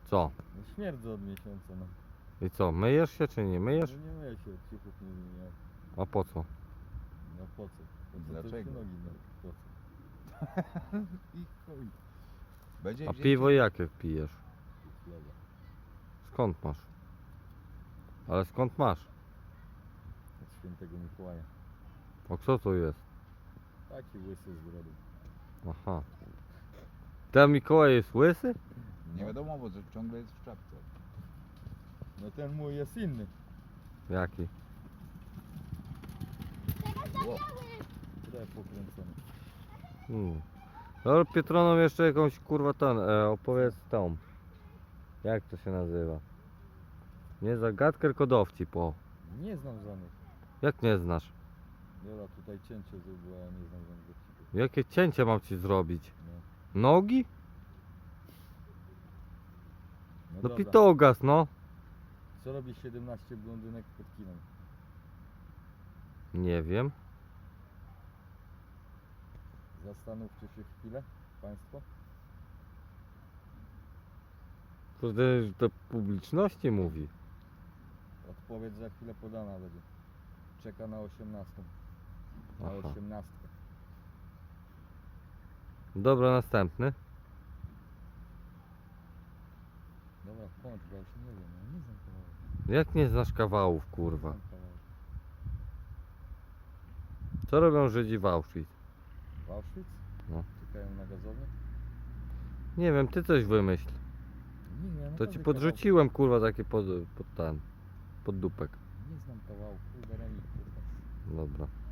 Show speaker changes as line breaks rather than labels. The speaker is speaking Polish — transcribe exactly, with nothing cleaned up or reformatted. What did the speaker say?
Co?
No śmierdzę od miesiąca, no.
I co, myjesz się czy nie myjesz?
No nie myję się, od ciuchów nie wymieniałem.
A po co?
No po co? Po co
Dlaczego?
te nogi, no po co?
I chuj. Będzie
A
wzięcie-
piwo jakie pijesz?
Chleba.
Skąd masz? Ale skąd masz?
Od świętego Mikołaja.
O co to jest?
Taki łysy z brodą.
Aha. Ten Mikołaj jest łysy?
Nie wiadomo, bo ciągle jest w czapce.
No ten mój jest inny.
Jaki?
Ło.
Tutaj pokręcony.
Hmm. No Pietronom jeszcze jakąś kurwa ten, e, opowiedz tą. Jak to się nazywa? Nie zagadkę, tylko dowcip, o.
Nie znam żadnych.
Jak nie znasz?
Jola tutaj cięcie zrobiła, ja nie znam żadnych dowcipów.
Jakie cięcie mam ci zrobić?
No.
Nogi?
No
No
dobra.
pitogas, no.
Co robi siedemnaście blondynek pod kinem?
Nie wiem.
Zastanówcie się chwilę, Państwo.
To do publiczności mówi.
Odpowiedź za chwilę podana będzie. Czeka na osiemnastą. Na
Aha.
osiemnastkę.
Dobra, następny.
Dobra, kończ, bo ja się nie wiem, ja nie znam kawałek.
Jak nie znasz kawałów,
Nie
kurwa?
znam kawałek.
Co robią Żydzi w Auschwitz?
W Auschwitz?
No.
Czekają na gazownię?
Nie wiem, ty coś wymyśl.
Nie, ja
To
naprawdę
ci
kawałku-
podrzuciłem, kurwa, takie pod, pod ten, pod dupek.
Nie znam kawałku, kurwa, remik, kurwa.
Dobra.